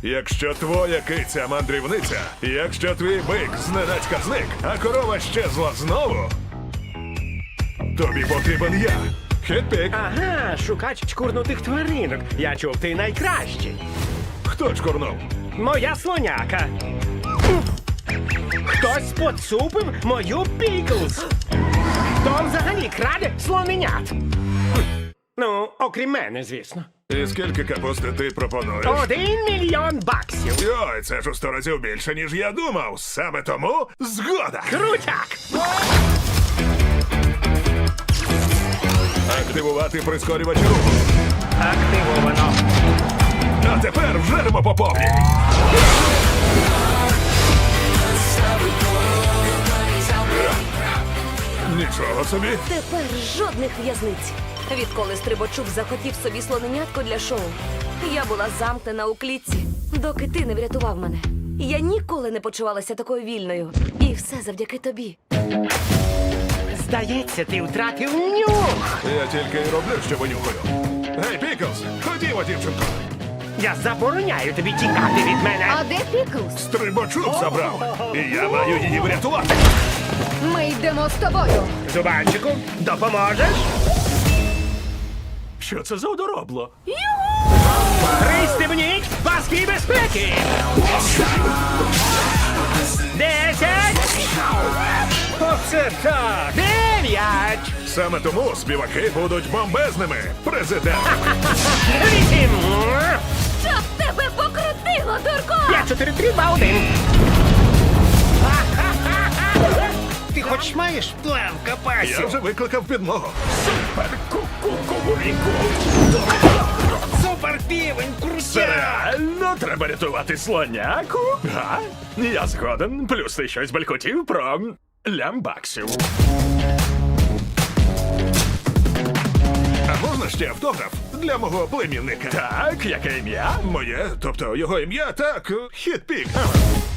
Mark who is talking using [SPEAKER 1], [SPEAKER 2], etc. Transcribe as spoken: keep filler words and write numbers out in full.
[SPEAKER 1] Якщо твоя киця мандрівниця, якщо твій бик зненацька зник, а корова щезла знову, тобі потрібен я. Хетпік.
[SPEAKER 2] Ага, шукач чкурнутих тваринок. Я чув, ти найкращий.
[SPEAKER 1] Хто чкурнув?
[SPEAKER 2] Моя слоняка. Хтось поцупив мою Піклз. Хто взагалі краде слоненят? Ну, окрім мене, звісно.
[SPEAKER 1] І скільки капусти ти пропонуєш?
[SPEAKER 2] Один мільйон баксів.
[SPEAKER 1] Йой, це ж у сто разів більше, ніж я думав. Саме тому згода.
[SPEAKER 2] Крутяк!
[SPEAKER 1] Активувати прискорювач руху.
[SPEAKER 2] Активовано.
[SPEAKER 1] А тепер вжеремо по повній. Нічого собі.
[SPEAKER 3] Тепер жодних в'язниць. Відколи Стрибачук захотів собі слоненятко для шоу, я була замкнена у клітці, доки ти не врятував мене. Я ніколи не почувалася такою вільною. І все завдяки тобі.
[SPEAKER 2] Здається, ти втратив нюх.
[SPEAKER 1] Я тільки й роблю, що винюхаю. Гей, Піклз, ходімо, дівчинко.
[SPEAKER 2] Я забороняю тобі тікати від мене.
[SPEAKER 4] А де Піклз?
[SPEAKER 1] Стрибачук забрав. І я маю її врятувати.
[SPEAKER 4] Ми йдемо з тобою.
[SPEAKER 2] Зубанчику, допоможеш? Що це за одоробло? Пристебніть паски безпеки! Десять! Оце так! Дев'ять!
[SPEAKER 1] Саме тому співаки будуть бомбезними. Президент.
[SPEAKER 2] Вісім!
[SPEAKER 3] Щоб тебе покрутило, дурко!
[SPEAKER 2] П'ять, чотири, три, два, один! Ти хоч маєш план в
[SPEAKER 1] Я
[SPEAKER 2] капасі?
[SPEAKER 1] вже викликав підмогу.
[SPEAKER 2] Супер півень, крутяк!
[SPEAKER 5] Реально треба рятувати слоняку? Га? Я згоден. Плюс ти щось балькотів про лямбаксів.
[SPEAKER 1] А можна ще автограф для мого племінника?
[SPEAKER 5] Так, яке ім'я?
[SPEAKER 1] Моє, тобто його ім'я, так, Хетпік.